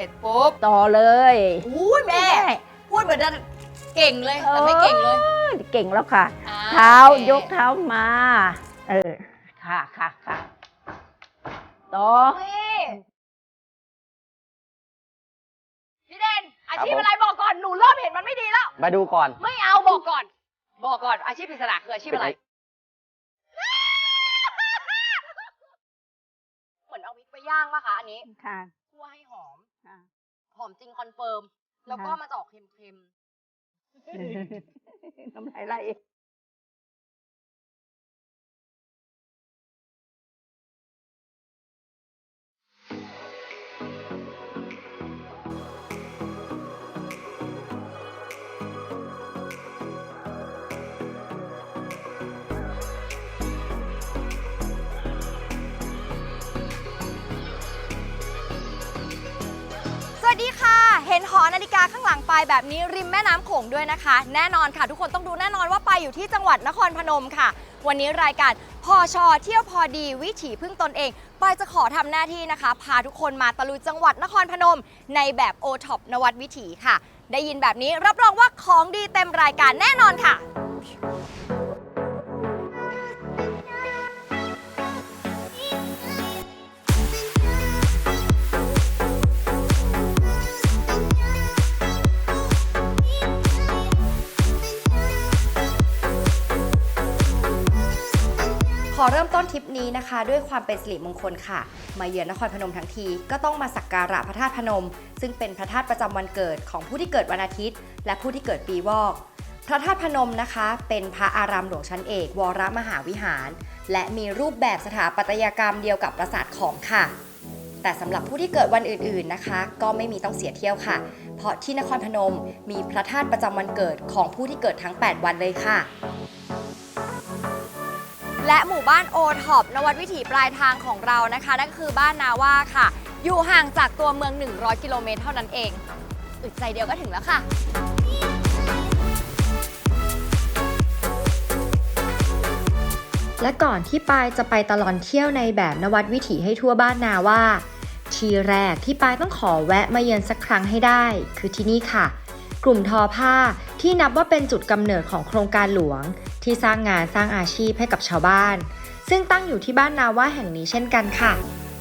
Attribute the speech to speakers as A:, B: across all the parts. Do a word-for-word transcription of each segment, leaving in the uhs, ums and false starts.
A: ร็จปุ๊บ
B: ต่อเลย
A: อุ้ยแม่พูดเหมือนจะเก่งเลยแต่ไม่เก่งเลย
B: เก่งแล้วค่ะเท้ายกเท้ามาเออค่ะค่ะค่ะต่อ
A: พี่เด่นอาชีพอะไรบอกก่อนหนูเริ่มเห็นมันไม่ดีแล้ว
C: มาดูก่อน
A: ไม่เอาบอกก่อนบอกก่อนอาชีพปริศนาคืออาชีพอะไรเหมือนเอาวิกไปย่างป่ะคะอันนี้
B: ค่ะ
A: คั่วให้หอมหอมจริงคอนเฟิร์มแล้วก็มาจะออกเค็ม
B: ๆน้ำลายไหล
A: สวัสดีค่ะเห็นหอนาฬิกาข้างหลังปายแบบนี้ริมแม่น้ำโขงด้วยนะคะแน่นอนค่ะทุกคนต้องดูแน่นอนว่าปายอยู่ที่จังหวัดนครพนมค่ะวันนี้รายการพอชอเที่ยวพอดีวิถีพึ่งตนเองปายจะขอทำหน้าที่นะคะพาทุกคนมาตะลุยจังหวัดนครพนมในแบบโอท็อปนวัดวิถีค่ะได้ยินแบบนี้รับรองว่าของดีเต็มรายการแน่นอนค่ะขอเริ่มต้นทริปนี้นะคะด้วยความเป็นสิริมงคลค่ะมาเยือนนครพนมทั้งทีก็ต้องมาสักการะพระธาตุพนมซึ่งเป็นพระธาตุประจำวันเกิดของผู้ที่เกิดวันอาทิตย์และผู้ที่เกิดปีวอกพระธาตุพนมนะคะเป็นพระอารามหลวงชั้นเอกวรมหาวิหารและมีรูปแบบสถาปัตยกรรมเดียวกับปราสาทขอมค่ะแต่สำหรับผู้ที่เกิดวันอื่นๆนะคะก็ไม่มีต้องเสียเที่ยวค่ะเพราะที่นครพนมมีพระธาตุประจำวันเกิดของผู้ที่เกิดทั้งแปดวันเลยค่ะและหมู่บ้านโอท็อปนวัดวิถีปลายทางของเรานะคะนั่นก็คือบ้านนาว่าค่ะอยู่ห่างจากตัวเมืองหนึ่งร้อยกิโลเมตรเท่านั้นเองอึดใจเดียวก็ถึงแล้วค่ะและก่อนที่ปายจะไปตลอดเที่ยวในแบบนวัดวิถีให้ทั่วบ้านนาว่าทีแรกที่ปายต้องขอแวะมาเยือนสักครั้งให้ได้คือที่นี่ค่ะกลุ่มทอผ้าที่นับว่าเป็นจุดกำเนิดของโครงการหลวงที่สร้างงานสร้างอาชีพให้กับชาวบ้านซึ่งตั้งอยู่ที่บ้านนาว่าแห่งนี้เช่นกันค่ะ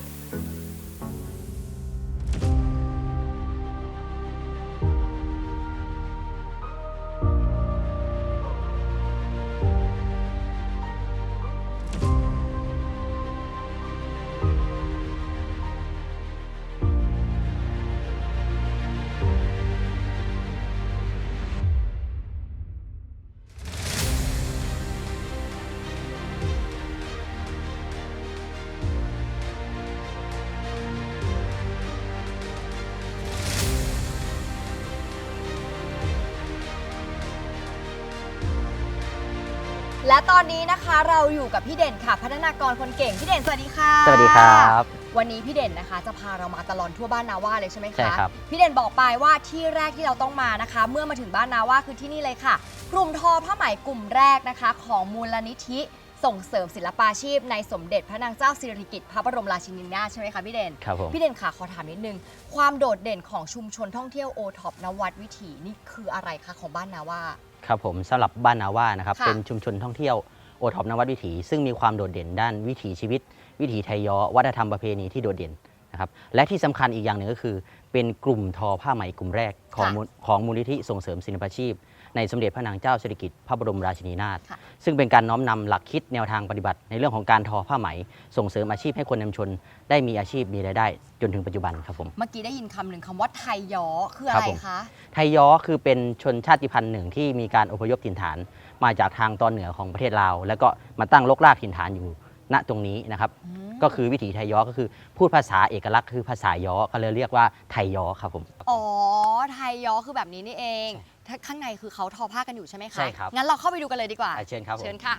A: และตอนนี้นะคะเราอยู่กับพี่เด่นค่ะพัฒนากรคนเก่งพี่เด่นสวัสดีค่ะ
C: สวัสดีครับ
A: วันนี้พี่เด่นนะคะจะพาเรามาตลอดทั่วบ้านนาว่าเลยใช่ไหมคะ
C: ใช่ครับ
A: พี่เด่นบอกไปว่าที่แรกที่เราต้องมานะคะเมื่อมาถึงบ้านนาว่าคือที่นี่เลยค่ะกลุ่มทอผ้าไหมกลุ่มแรกนะคะของมูลนิธิส่งเสริมศิลปาชีพในสมเด็จพระนางเจ้าสิริกิติ์พระบรมราชินีนาถใช่ไหมคะพี่เด่น
C: ครับผม
A: พี่เด่นค่ะขอถามนิดนึงความโดดเด่นของชุมชนท่องเที่ยวโอท็อปนวัดวิถีนี่คืออะไรคะของบ้านนาว่า
C: ครับผมสำหรับบ้านนาว่านะครับเป็นชุมชนท่องเที่ยวโอท็อปนวัดวิถีซึ่งมีความโดดเด่นด้านวิถีชีวิตวิถีไทยย้อวัฒนธรรมประเพณีที่โดดเด่นนะครับและที่สำคัญอีกอย่างหนึ่งก็คือเป็นกลุ่มทอผ้าไหมกลุ่มแรกของของมูลนิธิส่งเสริมศิลปาชีพในสมเด็จพระนางเจ้าสิริกิติ์พระบรมราชินีนาถซึ่งเป็นการน้อมนำหลักคิดแนวทางปฏิบัติในเรื่องของการทอผ้าไหมส่งเสริมอาชีพให้คนในชุมชนได้มีอาชีพมีรายได้จนถึงปัจจุบันครับผม
A: เมื่อกี้ได้ยินคำหนึ่งคำว่าไทยย้อคืออะไรคะ
C: ไทยย้อคือเป็นชนชาติพันธุ์หนึ่งที่มีการอพยพถิ่นฐานมาจากทางตอนเหนือของประเทศลาวแล้วก็มาตั้งรกรากถิ่นฐานอยู่ณตรงนี้นะครับก็คือวิถีไทยย้อก็คือพูดภาษาเอกลักษณ์คือภาษาย้อก็เลยเรียกว่าไทยย้อครับผม
A: อ๋อไทยย้อคือแบบนี้นี่เองข้างในคือเขาทอผ้ากันอยู่ใช่ไหมคะ
C: ใช่ครับ
A: งั้นเราเข้าไปดูกันเลยดีกว่า
C: เชิญครับ
A: เชิญค่ะ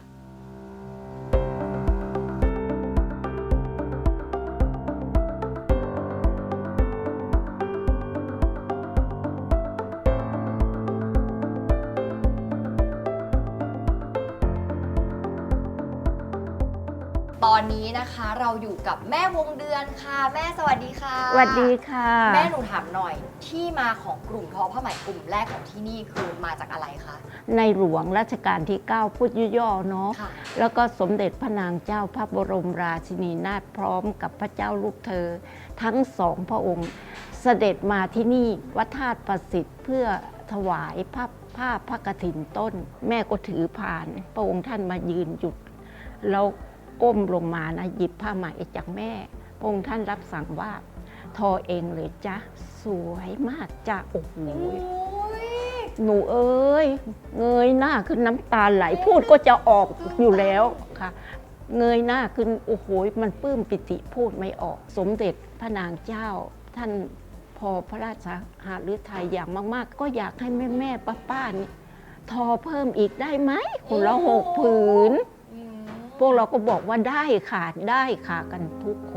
A: ตอนนี้นะคะเราอยู่กับแม่วงเดือนค่ะ แม่สวัสดีค่ะ
B: สวัสดีค่ะ
A: แม่หนูถามหน่อยที่มาของกลุ่มทอผ้าไหมกลุ่มแรกของที่นี่คือมาจากอะไรคะ
B: ในหลวงรัชกาลที่ เก้า พูดย่อๆเนาะ
A: ค่ะ
B: แล้วก็สมเด็จพระนางเจ้าพระบรมราชินีนาถพร้อมกับพระเจ้าลูกเธอ ทั้งสองพระองค์ เสด็จมาที่นี่วัดธาตุประสิทธิ์เพื่อถวายผ้าผ้าพระกฐินต้น แม่ก็ถือผ่าน พระองค์ท่านมายืนหยุดแล้วก้มลงมานะหยิบผ้าไหมจากแม่พระองค์ท่านรับสั่งว่าทอเองเลยจ้ะสวยมากจ้ะโอ้โห หนูเอ้ยเงยหน้าขึ้นน้ำตาไหลพูดก็จะออกอยู่แล้วค่ะ เงยหน้าขึ้นโอ้โหมันปลื้มปิติพูดไม่ออก สมเด็จพระนางเจ้า ท่านพอพระราชหฤทัยอย่างมาก ๆ ก็อยากให้แม่แม่ป้าป้านี่ทอเพิ่มอีกได้ไหมคนละหกผืน พวกเราก็บอกว่าได้ค่ะได้ค่ะกันทุกคน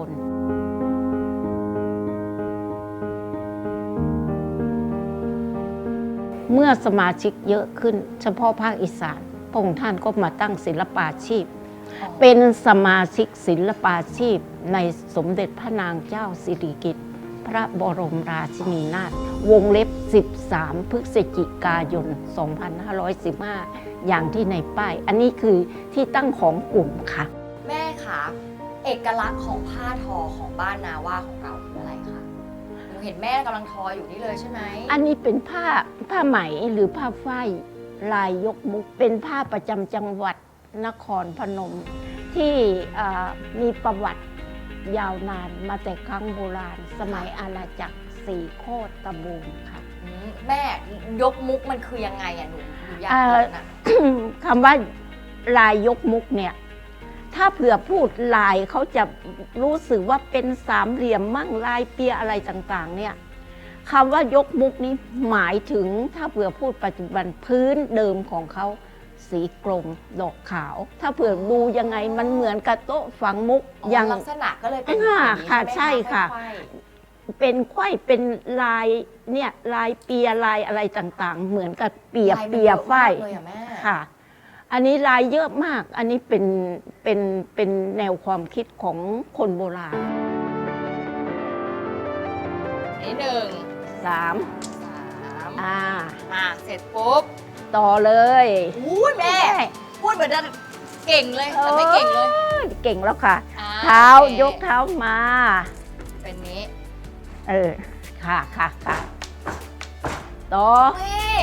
B: เมื่อสมาชิกเยอะขึ้นเฉพาะภาคอีสานพระองค์ท่านก็มาตั้งศิลปาชีพ เป็นสมาชิกศิลปาชีพในสมเด็จพระนางเจ้าสิริกิติ์พระบรมราชินีนาถวงเล็บ สิบสาม พฤศจิกายน สองพันห้าร้อยสิบห้า อย่างที่ในป้าย อันนี้คือที่ตั้งของกลุ่มค่ะ
A: แม่คะเอกลักษณ์ของผ้าทอของบ้านนาว่าของเราคืออะไรคะหนูเห็นแม่กำลังทออยู่นี่เลยใช่ไหม
B: อันนี้เป็นผ้าผ้าไหมหรือผ้าฝ้ายลายยกมุก เป็นผ้าประจำจังหวัดนครพนม ที่อ่ามีประวัติยาวนานมาแต่ครั้งโบราณ สมัยอาณาจักรสี่โคตรตะบูงค่ะ
A: อืมแม่ยกมุกมันคือยังไงอะหนูหนูอยาก
B: เอ่อ
A: เห็นอะ
B: คำว่าลายยกมุกเนี่ย ถ้าเผื่อพูดลายเขาจะรู้สึกว่าเป็นสามเหลี่ยมมั่งลายเปียอะไรต่างๆเนี่ยคำว่ายกมุกนี้หมายถึงถ้าเผื่อพูดปัจจุบันพื้นเดิมของเขาสีกรมดอกขาว ถ้าเผื่อดูยังไงมันเหมือนกับโต๊ะฝังมุก
A: อ๋อ
B: อย่าง
A: ลักษณะก็เลยเป็น
B: อ่า
A: อย่างนี้
B: ค่ะ
A: ไหม
B: ใช่ค่ะ
A: ไขว้
B: เป็นไขว้เป็นลายเนี่ยลายเปียลายอะไรต่างๆ เหมือนกับเปีย
A: ลายมัน
B: เปีย
A: อะมก
B: ฝ้าย
A: เลยอะแม่
B: ค่ะ อันนี้ลายเยอะมาก อันนี้เป็นเป็นเป็นแนวความคิดของคนโบราณ
A: อันนี้หนึ่ง
B: สาม
A: สาม
B: อ่า
A: มาเสร็จปุ๊บ
B: ต่อเลย
A: อุ้ยแม่ พูดเหมือนจะเก่งเลยแต่ไม่เก่งเลย
B: เก่งแล้วค่ะ
A: อ่
B: เท้า
A: โอเค
B: ยกเท้ามา
A: เป็นนี้
B: เออ ค่ะค่ะค่ะต่อ
A: นี่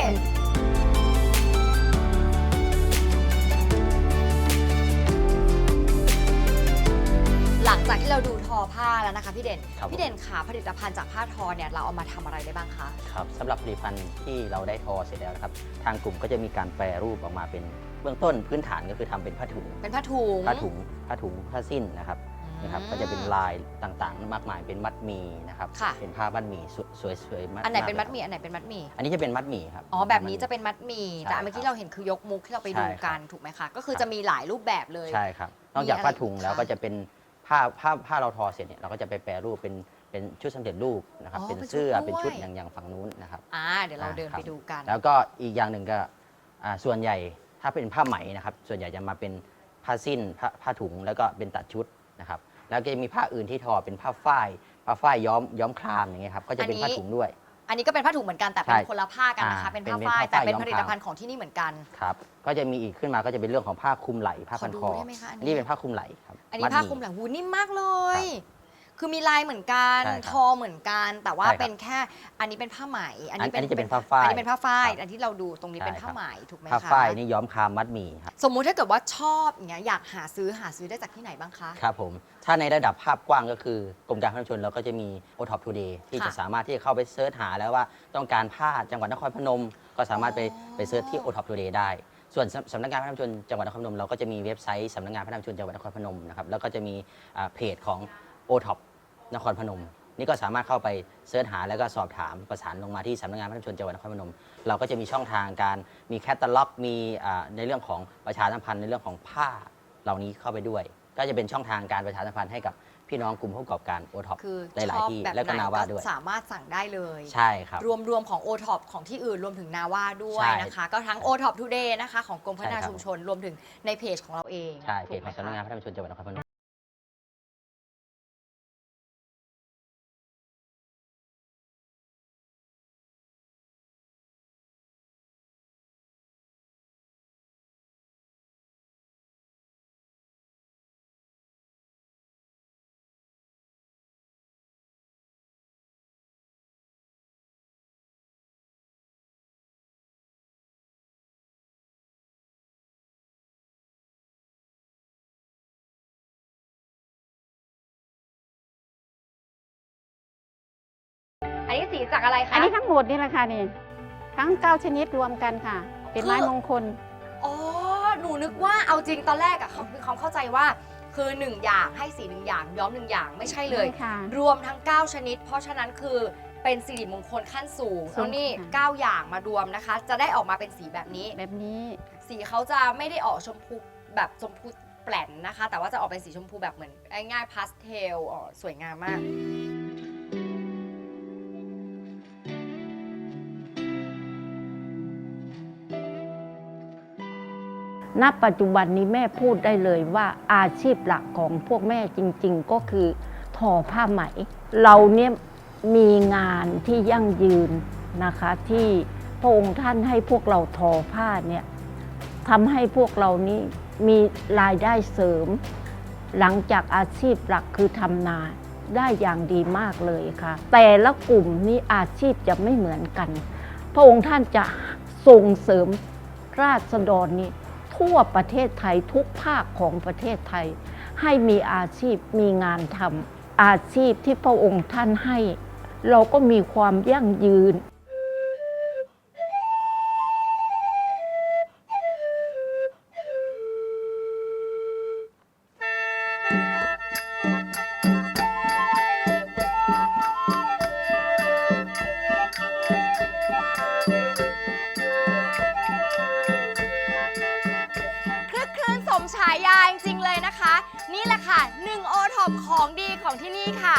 A: หลังจากที่เราดูทอผ้าแล้วนะคะพี่เด่น
C: ครับ
A: พี่เด่นขาผลิตภัณฑ์จากผ้าทอเนี่ยเราเอามาทำอะไรได้บ้างคะ
C: ครับสำหรับผลิตภัณฑ์ที่เราได้ทอเสร็จแล้วนะครับทางกลุ่มก็จะมีการแปรรูปออกมาเป็นเบื้องต้นพื้นฐานก็คือทำเป็นผ้าถุง
A: เป็นผ้าถุง
C: ผ้าถุงผ้าถุงผ้าสิ้นนะครับ
A: อืม
C: นะครับก็จะเป็นลายต่างๆ มากมายเป็นมัดหมี่นะครับ
A: ค่ะ
C: เป็นผ้ามัดหมี่สวยสวยๆมัด
A: อันไหนเป็น
C: าก
A: มัดหมี่อันไหนเป็นมัดหมี่
C: อันนี้จะเป็นมัดหมี่ครับ
A: อ๋อแบบนี้จะเป็นมัดหมี่
C: ใช่
A: แต่เมื่อกี้เราเห็นคือยกมุกที่เราไปดู
C: ใช่ครับ
A: กันถูกไหมคะก็คือ
C: ครับ
A: จะมีหลายรูปแบบเลย
C: ใช่ครับนอกจาก
A: มีอะไร
C: ผ้าถุง
A: อีก
C: แล้ว
A: คะ
C: ก็จะเป็นผ้าผ้าผ้าเราทอเสร็จเนี่ยเราก็จะไปแปรรูปเป็นเป็นชุดสำเร็จรูปนะครับ
A: อ๋อ
C: เป็น
A: เป็นชุด
C: เสื้อ
A: ด้วย
C: เป็นชุดอย่างอย่างฝั่งนู้นนะครับ
A: อ่าเดี๋ยวเรา
C: อ่า
A: เดิน
C: ครับ
A: ไปดูกัน
C: แล้วก็อีกอย่างหนึ่งก็อ่าส่วนใหญ่ถ้าเป็นผ้าไหมนะครับส่วนใหญ่จะมาเป็นผ้าสิ้นผ้าผ้าถุงแล้วก็เป็นตัดชุดนะครับแล้วก็จะมีผ้าอื่นที่ทอเป็นผ้าฝ้ายผ้าฝ้ายย้อมย้อมครามอย่างเงี้ยครับก็จะเป็นผ้าถุงด้วย
A: อันนี้ก็เป็นผ้าถุงเหมือนกันแต่เป็น
C: ใช่
A: คนละผ้ากันนะคะ
C: อ่า
A: เป็นผ้า
C: เป็น
A: ฝ้าย
C: ผ้า
A: แต่
C: ฝ้าย
A: เป็น
C: ย้อม
A: ผลิตภัณฑ์ของที่นี่เหมือนกัน
C: ครับก็จะมีอีกขึ้นมาก็จะเป็นเรื่องของผ้าคลุมไหล่ผ้าพัน
A: ขอดู
C: คอ
A: ได้ไหมคะอันนี้
C: นี่เป็นผ้าคลุมไหล่ครับ
A: อันนี้
C: ด
A: ผ้า
C: ห
A: คลุมหลังหูนิ่มมากเลย
C: ครับ
A: คือมีลายเหมือนกัน
C: ใช่ครับ
A: ทอเหมือนกัน แต่ว่า
C: ใช่ครับ
A: เป็นแค่อันนี้เป็นผ้าไหม
C: อันอันนี้จะเป็นผ้าฝ้าย
A: อันนี้เป็นผ้าฝ้าย
C: ครับ
A: อันที่เราดูตรงนี้
C: ใช่
A: เป็นผ้า
C: ครับ
A: ไหมถูกไหม
C: ผ้า
A: คะ
C: ฝ้ายนี่ย้อมครามมัดหมี่ครับ
A: สมมุติถ้าเกิดว่าชอบอย่างเงี้ยอยากหาซื้อหาซื้อได้จากที่ไหนบ้างคะ
C: ครับผมถ้าในระดับภาพกว้างก็คือกรมการค้าภายในชุมชนเราก็จะมี โอ ท็อป Today ที่
A: ค่ะ
C: จะสามารถที่จะเข้าไปเสิร์ชหาแล้วว่าต้องการผ้าจังหวัดนครพนม ก็สามารถไป
A: อ๋อ
C: ไปเสิร์ชที่ โอ ท็อป Today ได้ ส่วนสำสำนักงานพัฒนาชุมชนจังหวัดนครพนมเราก็จะมีเว็บไซต์สำนักงานพัฒนาชุมชนจังหวัดนครพนมนะครับแล้วก็จะมีอ่าเพจของ โอ ท็อป นครพนม นี่ก็สามารถเข้าไปเสิร์ชหาแล้วก็สอบถามประสานลงมาที่สำนักงานพัฒนาชุมชนจังหวัดนครพนม เราก็จะมีช่องทางการมีแคตตาล็อกมีอ่าในเรื่องของประชาสัมพันธ์ในเรื่องของผ้าเหล่านี้เข้าไปด้วย ก็จะเป็นช่องทางการประชาสัมพันธ์ให้กับพี่น้องกลุ่มผู้ประกอบการ โอ ท็อป
A: คือ
C: ห
A: ช
C: ลาย
A: อบ
C: ๆที่
A: แบบ
C: แล้วก็
A: ไหน
C: นาว่า
A: ก็
C: ด้วย
A: สามารถสั่งได้เลย
C: ใช่ครับ
A: รวมรวมของ โอ ท็อป ของที่อื่นรวมถึงนาว่าด้วย
C: ใช่
A: นะคะ ก็ทั้ง โอ ท็อป Today นะคะของกรมพัฒนา
C: ใช่ครับ
A: ชุมชนรวมถึงในเพจของเราเอง
C: ใช่เพ
A: ถู
C: จ
A: ก
C: ข
A: ไหม
C: องสำนักงาน
A: คะ
C: พัฒนาชุมชนจังหวัดนครพนม
A: อันนี้สีจากอะไรคะ
D: อันนี้ทั้งหมดนี่แหละค่ะนี่ทั้งเก้าชนิดรวมกันค่ะ เป็นไม้มงคล
A: อ๋อ หนูนึกว่าเอาจริงตอนแรกอะเขามีความเข้าใจว่าคือหนึ่งอย่างให้สีหนึ่งอย่างย้อมหนึ่งอย่างไม่ใช่เลย
D: ใช่ค่ะ
A: รวมทั้ง เก้า ชนิด เพราะฉะนั้นคือเป็นสิริมงคลขั้นสูง
D: สูง
A: แล้วนี่
D: ค่ะ
A: เก้า อย่างมารวมนะคะ จะได้ออกมาเป็นสีแบบนี้
D: แบบนี้
A: สีเขาจะไม่ได้ออกชมพูแบบชมพูแปลนนะคะ แต่ว่าจะออกเป็นสีชมพูแบบเหมือนง่ายๆพาสเทลอ๋อสวยงามมาก
B: ณปัจจุบันนี้แม่พูดได้เลยว่าอาชีพหลักของพวกแม่จริงๆ ก็คือทอผ้าไหม เราเนี่ยมีงานที่ยั่งยืนนะคะที่พระองค์ท่านให้พวกเราทอผ้าเนี่ยทำให้พวกเรานี้มีรายได้เสริม หลังจากอาชีพหลักคือทำนาได้อย่างดีมากเลยค่ะ แต่ละกลุ่มนี้อาชีพจะไม่เหมือนกัน พระองค์ท่านจะส่งเสริมราษฎรนี้ทั่วประเทศไทยทุกภาคของประเทศไทย ให้มีอาชีพมีงานทำอาชีพที่พระองค์ท่านให้ เราก็มีความยั่งยืน
A: คลึกคลื้นสมฉายาจริงๆเลยนะคะ นี่แหละค่ะหนึ่งโอท็อปของดีของที่นี่ค่ะ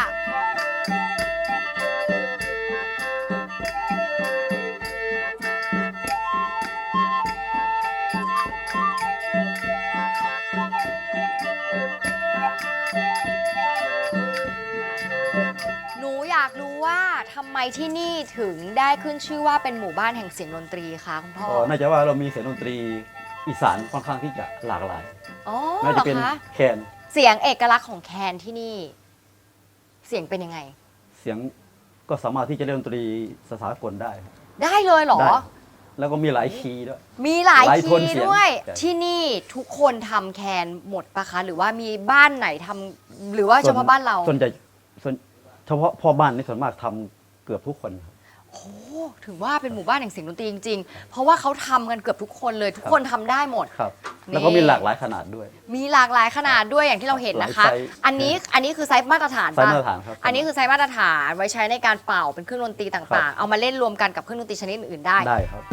A: หนูอยากรู้ว่าทำไมที่นี่ถึงได้ขึ้นชื่อว่าเป็นหมู่บ้านแห่งเสียงดนตรีคะคุณพ่อ
E: ก็น่าจะว่าเรามีเสียงดนตรีอีสานค่อนข้างที่จะหลากหลาย
A: อ๋อ
E: น่า
A: เหร
E: จะ
A: อ
E: เป็น
A: คะ
E: แคน
A: เสียงเอกลักษณ์ของแคนที่นี่ เสียงเป็นยังไง
E: เสียงก็สามารถที่จะเล่นดนตรีสากลได้
A: ได้เลยเหรอ
E: ได้แล้วก็มีหลายคีย์ด้วย
A: มีหลาย
E: หลายโท
A: คี
E: น
A: ย์
E: เสียง
A: ด้วย
E: ใช่
A: ที่นี่ทุกคนทำแคนหมดปะคะ หรือว่ามีบ้านไหนทำหรือว่าเฉพาะบ้านเรา
E: ส่วนใหญ่ส่วนเฉพาะพ่อบ้านนี่ส่วนมากทำเกือบทุกคนครับ
A: โอ้ถึงว่าเป็นหมู่บ้านแห่งเสียงดนตรีจริงๆ เพราะว่าเขาทำกันเกือบทุกคนเลย ทุกคนทำได้หมด
E: ครับ
A: นี่
E: แล้วก็มีหลากหลายขนาดด้วย
A: มีหลากหลายขนาดด้วยอย่างที่เราเห็นนะคะ
E: หลายไซส์
A: อันนี้อันนี้คือไซส์มาตรฐาน
E: ไซส์
A: ปะ
E: มาตรฐานครับ
A: อันนี้คือไซส์มาตรฐานไว้ใช้ในการเป่าเป็นเครื่องดนตรี
E: ครั
A: ต่าง
E: บ
A: ๆ เอามาเล่นรวมกันกับเครื่องดนตรีชนิดอื่นๆได้
E: ได้ครับ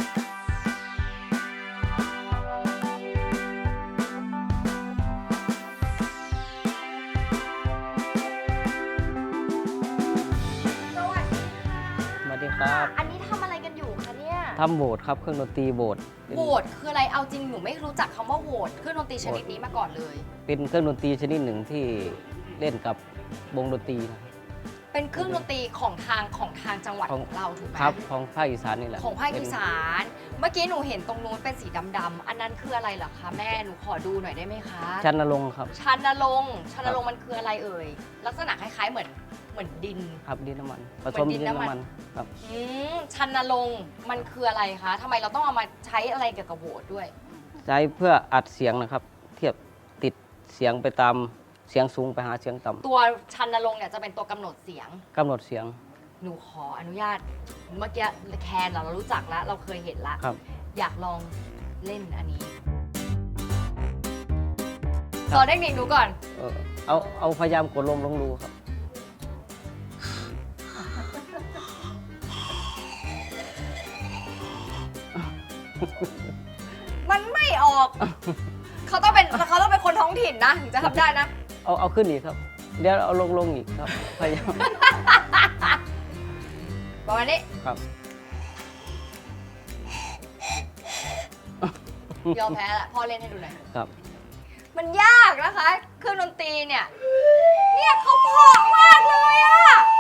A: สวัสดีค่ะ
C: สวัสดีครับ
A: อันนี้ทำอะไรกันอยู่คะเนี่ย
C: ทำโบสถ์ครับเครื่องดนตรีโบสถ์เป็น
A: โหวตคืออะไรเอาจริงหนูไม่รู้จักคำว่าโหวตเครื่องดนตรีชนิดนี้มาก่อนเลย
C: เป็นเครื่องดนตรีชนิดหนึ่งที่เล่นกับวงดนตรีนะครับ
A: เป็นเครื่องดนตรีของทางของทางจังหวัด
C: ของ
A: ของเราถูกไหม
C: ครับของภาคอีสานนี่แหละ
A: ของภาค
C: เป็น
A: อีสาน เมื่อกี้หนูเห็นตรงนู้นเป็นสีดำๆอันนั้นคืออะไรเหรอคะแม่หนูขอดูหน่อยได้ไหมคะ
C: ชันนรงค์ครับ
A: ชันนรงค์ชันนรงค์มันคืออะไรเอ่ยลักษณะคล้ายๆเหมือนเหมือนดิน
C: ครับดินน้ำมันผ
A: เหมื
C: ส
A: อน
C: ม
A: ดิ
C: ดิ
A: น
C: น
A: น้ำมัน
C: น้ำมันครับ
A: อืมชันนรงค์มันคืออะไรคะทำไมเราต้องเอามาใช้อะไรเกี่ยวกับโหวตด้วย
C: ใช้เพื่ออัดเสียงนะครับ เทียบติดเสียงไปตามเสียงสูงไปหาเสียงต่ำ
A: ตัวชันนรงค์เนี่ยจะเป็นตัวกำหนดเสียง
C: กำหนดเสียง
A: หนูขออนุญาตเมื่อกี้แคนเราเรารู้จักแล้ว เราเคยเห็นละ
C: ครับ
A: อยากลองเล่นอันนี้
C: ครับ
A: สอนเทคนิคหนูก่อน
C: เออเอาเอาพยายามกดลมลงรูครับ
A: มันไม่ออก เขาต้องเป็นเขาต้องเป็นคนท้องถิ่นนะถึงจะทำได้นะ
C: เอาเอาขึ้นอีกครับ เดี๋ยวเอาลงลงอีกครับ พยายาม
A: ประมาณนี้
C: ครับ
A: ยอมแพ้ละพ่อเล่นให้ดูหน่อย
C: ครับ
A: มันยากนะคะ เครื่องดนตรีเนี่ย เนี่ยเขาเพราะมากเลยอะ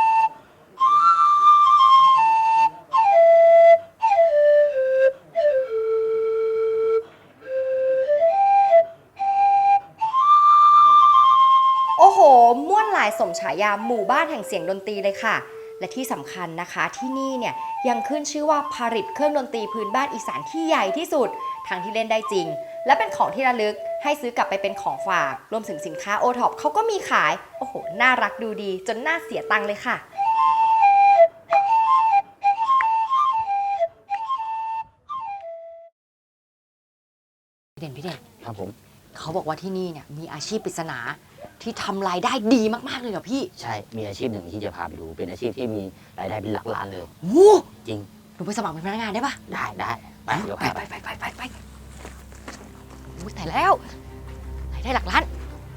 A: โอ้โห ม่วนหลายสมฉายาหมู่บ้านแห่งเสียงดนตรีเลยค่ะ และที่สำคัญนะคะที่นี่เนี่ยยังขึ้นชื่อว่าผลิตเครื่องดนตรีพื้นบ้านอีสานที่ใหญ่ที่สุดทั้งที่เล่นได้จริง และเป็นของที่ระลึกให้ซื้อกลับไปเป็นของฝาก รวมถึงสินค้าโอท็อปเขาก็มีขาย โอ้โห น่ารักดูดีจนน่าเสียตังค์เลยค่ะพี่เด่นพี่เด่น
C: ครับผม
A: เขาบอกว่าที่นี่เนี่ยมีอาชีพปริศนาที่ทำรายได้ดีมากๆเลยเหรอพี่
C: ใช่มีอาชีพหนึ่งที่จะพาไปดู เป็นอาชีพที่มีรายได้เป็นหลักล้านเลย
A: โอ้
C: จริง
A: หนูไปสมัครเป็นพนักงานได้ปะ
C: ได้ได้ไปเดี๋ยว
A: ไป
C: พา
A: ไป
C: ไป
A: ไปไปไปไปโอ้ยแต่แล้วรายได้หลักล้าน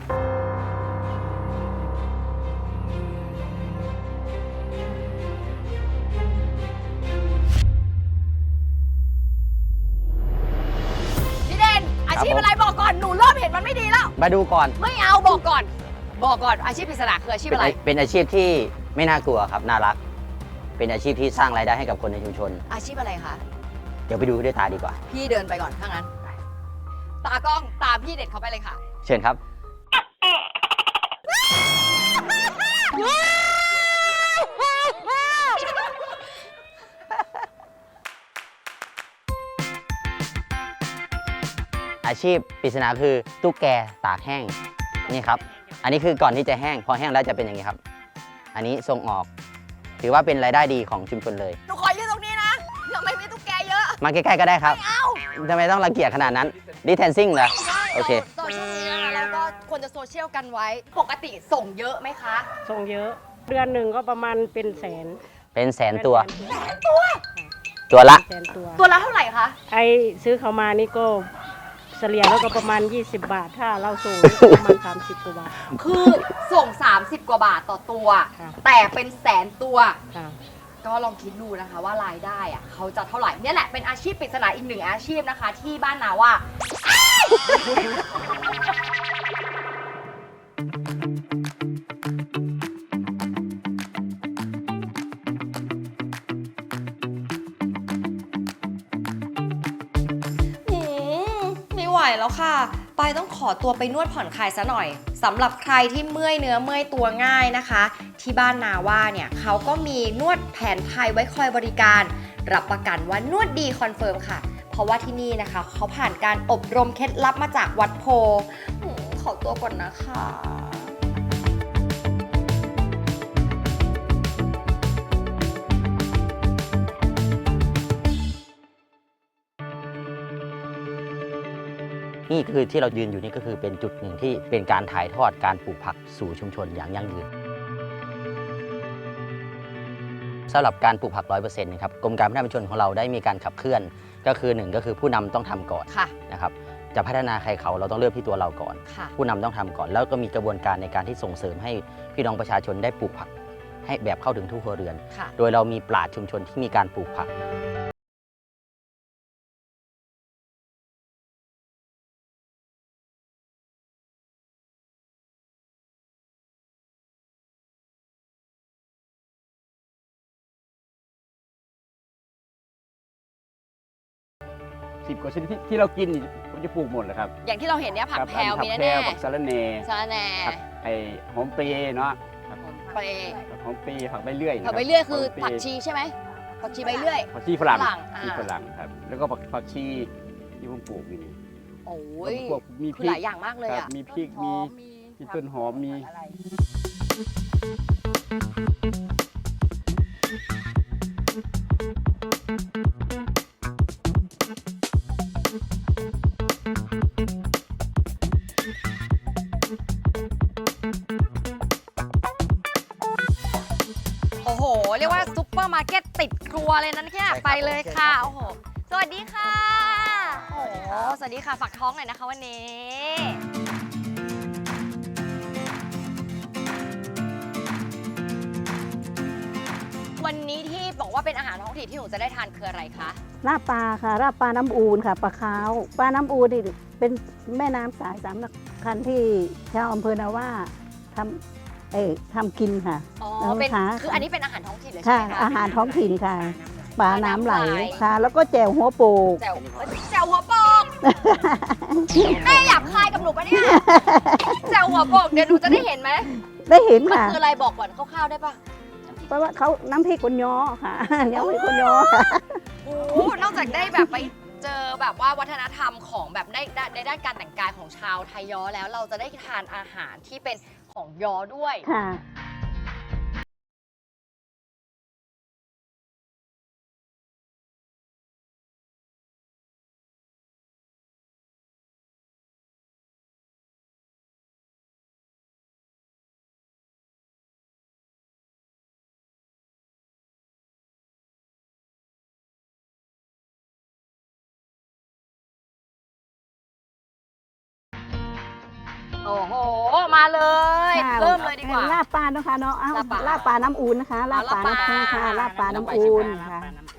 A: พี่เด่นอาชีพอะไรบอกก่อนหนูเริ่มเห็นมันไม่ดีแล้ว
C: มาดูก่อน
A: ไม่เอาบอกก่อน บอกก่อนอาชีพปริศนาคืออาชีพ
C: เป็น
A: อะไร
C: อาเป็นอาชีพที่ไม่น่ากลัวครับ น่ารัก เป็นอาชีพที่สร้างรายได้ให้กับคนในชุมชน
A: อาชีพอะไรคะ
C: เดี๋ยวไปดูด้วยตาดีกว่า
A: พี่เดินไปก่อนถ้างั้น ตากล้องตามพี่เด็ดเขาไปเลยค่ะ
C: เชิญครับ อาชีพปริศนาคือตุ๊กแกตากแห้งนี่ครับ อันนี้คือก่อนที่จะแห้ง พอแห้งแล้วจะเป็นอย่างนี้ครับ อันนี้ส่งออก ถือว่าเป็นรายได้ดีของชุมชนเลย
A: หนูขอยืนตรงนี้นะทำไมมีตุ๊กแกเยอะ
C: มาใกล้ๆก็ได้ครับ
A: ไม่เอา
C: ทำไมต้องรังเกียจขนาดนั้นดิแทนซิ่งเหรอ
A: ใช่
C: โอเค
A: โซเชียลมีนะคะแล้วก็ควรจะโซเชียลกันไว้ ปกติส่งเยอะไหมคะ
F: ส่งเยอะ เดือนหนึ่งก็ประมาณเป็นแสน
C: เป็นแสนตัว
F: เป็น
A: ตัว
C: ตัวละ
F: แสนตัว
A: ตัวละเท่าไหร่คะ
F: ไอซื้อเขามานี่ก็เฉลี่ยแล้วก็ประมาณ ยี่สิบบาท ถ้าเราส่งนี่ก็ประมาณ สามสิบกว่าบาท
A: คือส่ง สามสิบ กว่าบาทต่อตัว
F: ค่ะ
A: แต่เป็นแสนตัว
F: ค่ะ
A: ก็ลองคิดดูนะคะว่ารายได้อะเขาจะเท่าไหร่เนี่ยแหละเป็นอาชีพปริศนาอีกหนึ่งอาชีพนะคะ ที่บ้านนาว่า หืมไม่ไหวแล้วค่ะ ปายต้องขอตัวไปนวดผ่อนคลายซะหน่อยสำหรับใครที่เมื่อยเนื้อเมื่อยตัวง่ายนะคะ ที่บ้านนาว่าเนี่ยเขาก็มีนวดแผนไทยไว้คอยบริการ รับประกันว่านวดดีคอนเฟิร์มค่ะ เพราะว่าที่นี่นะคะเขาผ่านการอบรมเคล็ดลับมาจากวัดโพหืมขอตัวก่อนนะคะ
C: นี่คือที่เรายืนอยู่นี่ก็คือเป็นจุดหนึ่งที่เป็นการถ่ายทอดการปลูกผักสู่ชุมชนอย่างยั่งยืนสำหรับการปลูกผัก ร้อยเปอร์เซ็นต์ นะครับกรมการพัฒนาชุมชนของเราได้มีการขับเคลื่อน ก็คือหนึ่งก็คือผู้นำต้องทำก่อน
A: ค่ะ
C: นะครับจะพัฒนาใครเขาเราต้องเริ่มที่ตัวเราก่อน
A: ค่ะ
C: ผู้นำต้องทำก่อน แล้วก็มีกระบวนการในการที่ส่งเสริมให้พี่น้องประชาชนได้ปลูกผัก ให้แบบเข้าถึงทุกครัวเรือน
A: ค่ะ
C: โดยเรามีปราชญ์ชุมชนที่มีการปลูกผัก
G: สิบกว่าชนิดที่ที่เรากินนี่ผมจะปลูกหมดเลยครับ
A: อย่างที่เราเห็นเนี่ยผัก
G: ครับ
A: แพรว
G: ผั
A: มี
G: แพร
A: แน่
G: วผักสะระแหน่
A: ๆสาระแหน่
G: ผักไอหอมเปรย์เนาะครับ
A: เปร
G: ผักหอมเปรย์ผักใบเลื่อยนะ
A: ผัก
G: บ
A: ใบเลื่อยคือ
G: หมเปร
A: ผักชีใช่ไหมผักชีใบเลื่อย
G: ผักชีฝรั่ง
A: ฝรั่งอ่า
G: ชีฝรั่งครับ แล้วก็ผักผักชีที่ผมปลูกอยู่นี่
A: โอ้ย
G: พวกมีพ
A: คือ
G: ริ
A: ห
G: ก
A: ลายอย่างมากเลย
G: ครับ
A: อ่ะ
G: มีพริกมีมีต้นหอมมี
A: โอ้โห เรียกว่าซุปเปอร์มาร์เก็ตติดครัวเลยนั้นแค่ย
C: ใช่ครับ
A: ไปเลย
C: โอเค
A: ค่ะ
C: ครับ
A: โอ้โห สวัสดีค่ะ โอ้โห สวัสดีค่ะ ฝากท้องหน่อยนะคะวันนี้ วันนี้ที่บอกว่าเป็นอาหารท้องถิ่นที่หนูจะได้ทานคืออะไรคะ
B: ลาบปลาค่ะลาบปลาน้ำอูนค่ะปลาขาวปลาน้ำอูนนี่เป็นแม่น้ำสายสามสำคัญที่ชาวอำเภอนาว่าทำเอ่อทำกินค่ะ
A: อ๋อ
B: แล้ว
A: เป็น
B: คะ
A: คืออันนี้เป็นอาหารท้องถิ่นเลยใช่
B: ค่ะ
A: ไหมคะ
B: อาหารท้องถิ่นค่ะปลาน้ำไหล
A: ปลาน้ำไหล
B: ค่ะ แล้วก็แจ่วหัวโปก
A: แจ่วแจ่วหัวโปกแม่อยากคายกับหนูปะเนี่ยแจ่วหัวโปกเดี๋ยวหนูจะได้เห็นไหม
B: ได้เห็น
A: มัน
B: ค่ะ
A: คืออะไรบอกก่อนคร่าวๆได้ปะ
B: เพราะว่าเขาน้ำพริกคนย้อค่ะ น้ำพริกคนย้อค่ะ
A: โอ้โหนอกจากได้แบบไปเจอแบบว่าวัฒนธรรมของแบบในในด้านการแต่งกายของชาวไทยย้อแล้วเราจะได้ทานอาหารที่เป็นของย้อด้วย
B: ค่ะ
A: โอ้โห มาเลย
H: ค่ะ
A: เริ่มเลยดีกว่า
H: ลาบปลาเนาะค่ะเนาะเอ้า
A: ลาบปลา
H: ลาบปลาน้ำอูนนะคะลาบปลาน้ำปูค่ะลาบปลาน้ำอูนค่ะ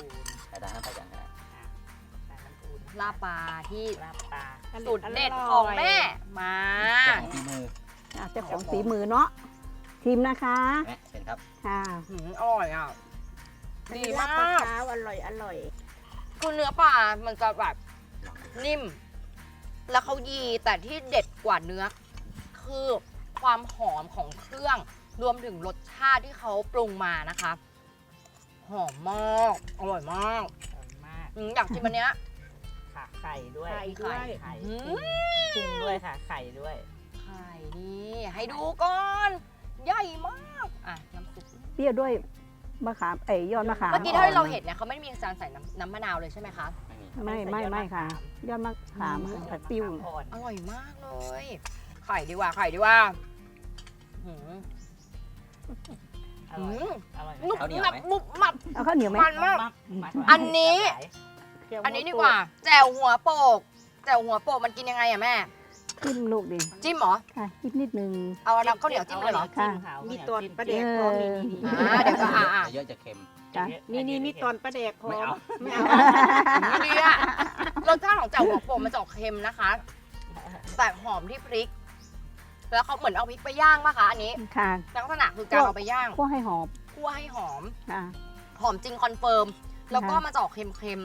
A: ลาบปลาที่
F: ลาบปลา
A: สูตรเด็ดของแม่ มา
H: อ่ะเจ้าของฝีมือเนาะชิมนะคะ
C: แม่เป็นครับ
H: ค่ะ
A: หืมอร่อยอ่ะ ดีมาก
F: เช้าอร่อยอร่อย
A: คือเนื้อปลา มันจะแบบนิ่ม แล้วเขายีแต่ที่เด็ดกว่าเนื้อ คือความหอมของเครื่อง รวมถึงรสชาติที่เขาปรุงมานะคะ หอมมาก อร่อยมาก
F: มาก
A: อืมอยากชิมอันเนี้ย
F: ค่ะไข่ด้วย
A: ไข่ด้วย
F: ไข่
A: อืม
F: กุ้งด้วยค่ะ ไข่ด้วย
A: ไข่นี่ให้ดูก่อน ใหญ่มาก อ่ะ น้ำซุป
H: เปรี้ยวด้วยมะขามเอ้ยยอดมะขาม
A: เมื่อกี้เท่าที่เราเห็นเนี่ยเขาไม่ได้มีการใส่น้ำน้ำมะนาวเลยใช่ไหมคะ
H: ไม่ไม่ไม่ค่ะ ยอดมะขามค่ะผัดปิ้ว
F: อ่อน
A: อร่อยมากเลย ไข่ดีกว่า ไข่ดีกว่าหืม
F: อร่อย
A: หืม
F: อร่อย
A: นุบ
C: ข้าวเหนียว
A: หนับ
C: ไหม
A: มุบหมับ
H: เอาข้าวเหนียวไหม
A: มันมาก
F: มั
A: อันนี้
F: เคี่ยว
A: อันนี้ดีกว่า แจ่วหัวโปก แจ่วหัวโปกมันกินยังไงอะแม่
H: จิ้มลูกดิ
A: จิ้มเหรอ
H: ค่ะจิ้มนิดนึง
A: เอาน้ำข้าวเหนียวจิ้มเลยเหรอ
H: ค่ะ
F: มีตอนประเด็ก
H: เอ
F: พร้อม
H: อ
F: นี่
A: อ่าเดี๋ยวก็อ่าอ่า
C: เยอะจะเค็ม
H: จ้ะ
F: นี่นี่มีตอนประเด็กพร้อ
C: ไม่
F: ม
C: เอา
F: ไม่เอา
A: ดีอะรสชาติของแจ่วหัวโปกมันจะออกเค็มนะคะ แต่หอมที่พริก แล้วเขาเหมือนเอาพริกไปย่างป่ะคะอันนี้
H: ค่ะ
A: ลักษณะคือการเอาไปย่าง
H: คั่วให้หอม
A: คั่วให้หอม
H: ค่ะ
A: หอมจริงคอนเฟิร์ม แล้วก็
H: ค่ะ
A: มาจะออกเค็ม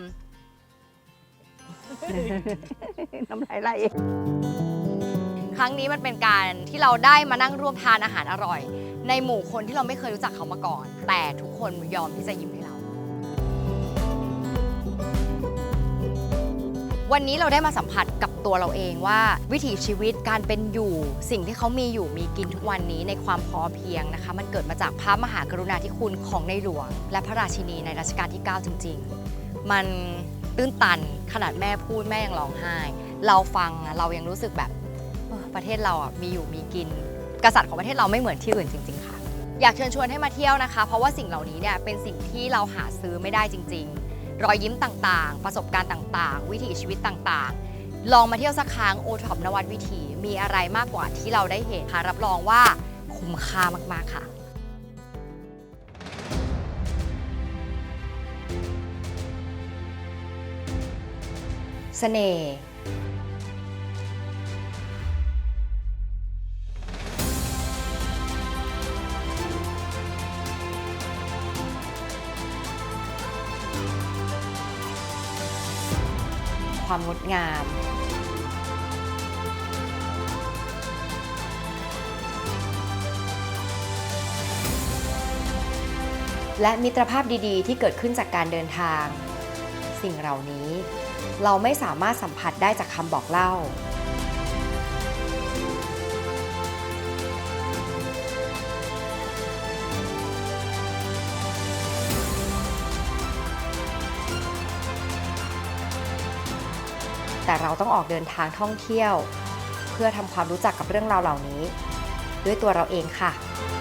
H: น้ำลายไหล
A: ๆ ครั้งนี้มันเป็นการที่เราได้มานั่งร่วมทานอาหารอร่อย ในหมู่คนที่เราไม่เคยรู้จักเขามาก่อน แต่ทุกคนยอมที่จะยิ้มให้เรา วันนี้เราได้มาสัมผัสกับตัวเราเองว่าวิถีชีวิตการเป็นอยู่สิ่งที่เขามีอยู่มีกินทุกวันนี้ในความพอเพียงนะคะ มันเกิดมาจากพระมหากรุณาธิคุณของในหลวง และพระราชินีในรัชกาลที่ เก้า จริง ๆ มันตื้นตันขนาดแม่พูดแม่ยังร้องไห้ เราฟังอะเรายังรู้สึกแบบเออประเทศเราอ่ะมีอยู่มีกิน กษัตริย์ของประเทศเราไม่เหมือนที่อื่นจริง ๆ ค่ะ อยากเชิญชวนให้มาเที่ยวนะคะ เพราะว่าสิ่งเหล่านี้เนี่ยเป็นสิ่งที่เราหาซื้อไม่ได้จริง ๆ รอยยิ้มต่างๆ ประสบการณ์ต่างๆ วิถีชีวิตต่างๆ ลองมาเที่ยวสักครั้งโอท็อปนวัดวิถีมีอะไรมากกว่าที่เราได้เห็นค่ะรับรองว่าคุ้มค่ามากๆค่ะ เสน่ห์ความงดงาม และมิตรภาพดีๆ ที่เกิดขึ้นจากการเดินทาง สิ่งเหล่านี้เราไม่สามารถสัมผัสได้จากคำบอกเล่า แต่เราต้องออกเดินทางท่องเที่ยว เพื่อทำความรู้จักกับเรื่องราวเหล่านี้ ด้วยตัวเราเองค่ะ